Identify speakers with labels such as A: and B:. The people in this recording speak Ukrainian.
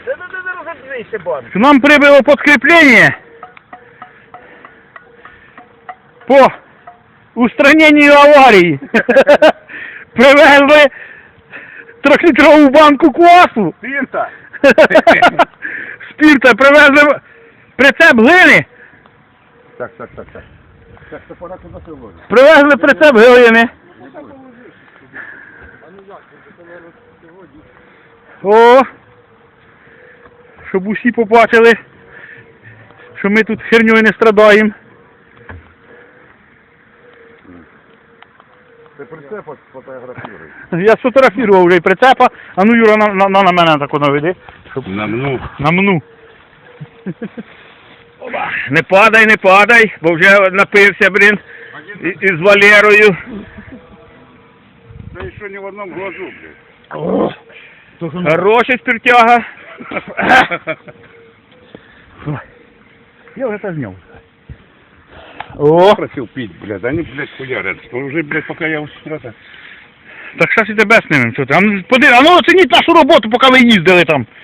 A: Розодвійся, банк.
B: К нам прибыло подкрепление по устранению аварии. Привезли 3-літрову банку квасу.
A: Спірта.
B: Спірта, привезли прицеп глини.
A: Так. Так, то пора туди сьогодні.
B: Привезли прицеп глини. О! Щоб усі побачили, що ми тут херньою не страдаємо.
A: Ти прицеп фотографіруй.
B: Я сфотографував вже і прицепа, а ну Юра на мене так наведи. Намну. Не падай, бо вже напився, блін, із Валерою.
A: Та ще не в одному глазу, блядь.
B: Хороший спиртяга. Я вже це зняв. О!
A: Просил пить, блядь, они, блядь, хуярят. Уже, блядь, пока я устрата.
B: Так зараз і тебе снимемо. Що ти? А ну оцініть нашу роботу, поки ви їздили там.